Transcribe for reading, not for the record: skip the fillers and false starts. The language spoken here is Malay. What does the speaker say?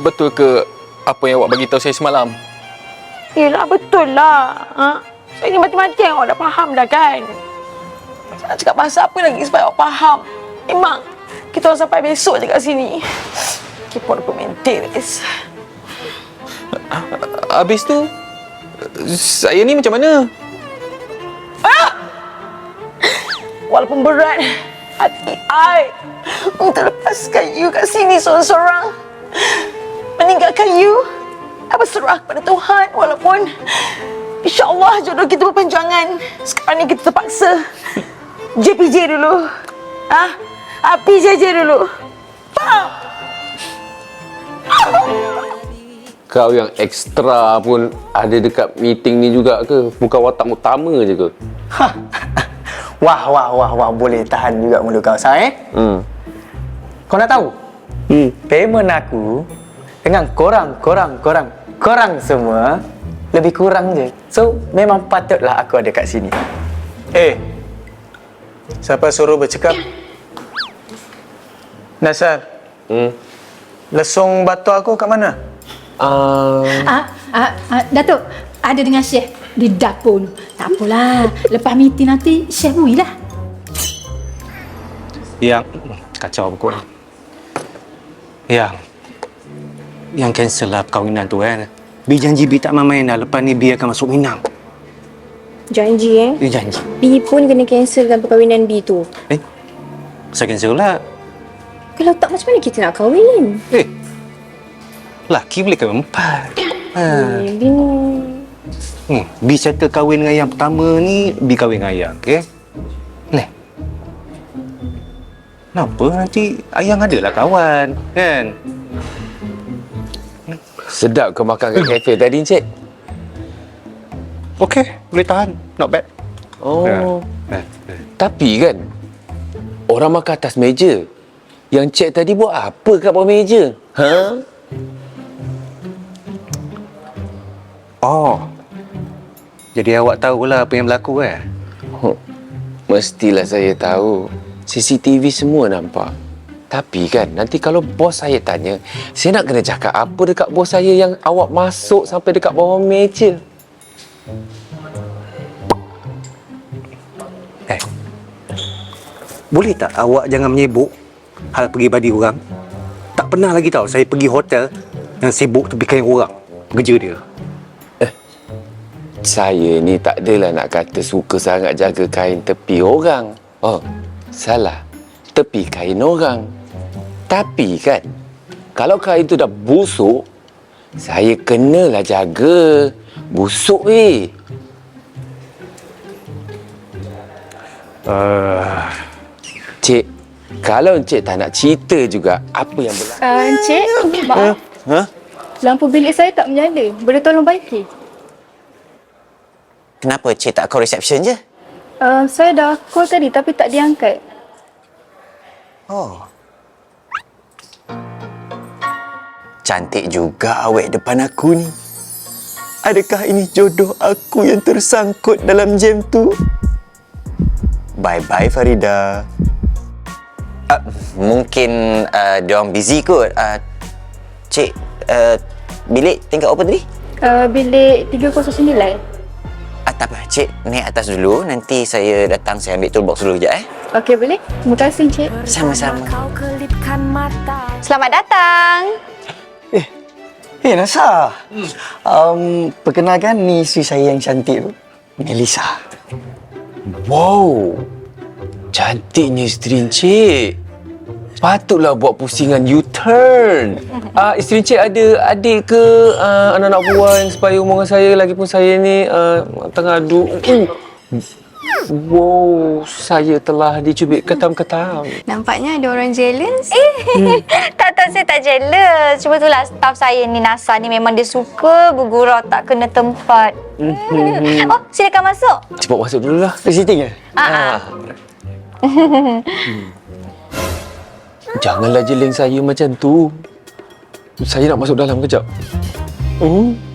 betul ke apa yang awak bagi tahu saya semalam? Yelah, betul lah. Saya ni mati-mati yang awak dah faham dah kan? Saya nak cakap pasal apa lagi supaya awak faham? Memang, kita orang sampai besok je kat sini. Kepo dokumentir, guys. Habis tu, saya ni macam mana? Walaupun berat, hati I untuk lepaskan you kat sini seorang-seorang. Meninggalkan you, I berserah kepada Tuhan. Walaupun InsyaAllah jodoh kita berpanjangan. Sekarang ni kita terpaksa JPJ dulu. PJJ dulu. Faham? Kau yang ekstra pun ada dekat meeting ni juga ke? Bukan watak utama je ke? Wah, boleh tahan juga mulut kau, Sam, Kau nak tahu? Payment aku dengan korang semua lebih kurang je. So, memang patutlah aku ada kat sini. Siapa suruh bercakap? Nasar, lesung batu aku kat mana? Datuk, ada dengan Syekh di dapur. Tak apalah, lepas meeting nanti Syekh bui lah. Yang kacau pukul. Yang cancel lah perkahwinan tu kan. Bi janji Bi tak main dah. Lepas ni Bi akan masuk Minang. Janji Dia janji. B pun kena cancelkan perkahwinan B tu. Saya cancel lah. Kalau tak, macam mana kita nak kahwin? Laki boleh kahwin 4. B ni... Bi settle kahwin dengan yang pertama ni, Bi kahwin dengan Ayang, okey? Ni. Kenapa nanti Ayang adalah kawan, kan? Sedap kau makan kat kafe tadi, Encik. Okey, boleh tahan. Not bad. Tapi kan, orang makan atas meja. Yang Cik tadi buat apa kat bawah meja? Jadi awak tahulah apa yang berlaku kan? Mestilah saya tahu. CCTV semua nampak. Tapi kan, nanti kalau bos saya tanya, saya nak kena cakap apa dekat bos saya yang awak masuk sampai dekat bawah meja? Boleh tak awak jangan menyibuk hal peribadi orang? Tak pernah lagi tahu saya pergi hotel yang sibuk tepikan orang. Kerja dia. Saya ni tak adalah nak kata suka sangat jaga kain tepi orang. Salah. Tepi kain orang. Tapi kan, kalau kain tu dah busuk, saya kenalah jaga. Busuk Cik, kalau Encik tak nak cerita juga apa yang berlaku. Encik, maaf. Lampu bilik saya tak menyala. Boleh tolong baiki? Kenapa Cik tak call reception je? Saya dah call tadi tapi tak diangkat. Cantik juga awet depan aku ni. Adakah ini jodoh aku yang tersangkut dalam jam tu? Bye-bye Farida. Mungkin diorang busy kot. Cik, bilik tingkat apa tadi? Bilik 309. Tak apa, Cik naik atas dulu. Nanti saya datang, saya ambil toolbox dulu sekejap Okey, boleh? Terima kasih, Encik. Sama-sama. Selamat datang. Nasa. Perkenalkan, ni isteri saya yang cantik tu, Melissa. Wow, cantiknya isteri Encik. Patutlah buat pusingan U-turn. Isteri Encik ada adik ke anak-anak buah yang supaya umur dengan saya, lagipun saya ni tengah adu. Wow, saya telah dicubit ketam-ketam. Nampaknya ada orang jealous. Tak, saya tak jealous. Cuma itulah staff saya ni, Nasa ni memang dia suka bergurau tak kena tempat. Silakan masuk. Cepat masuk dululah. Visiting ke? Janganlah jeling saya macam tu. Saya nak masuk dalam kejap.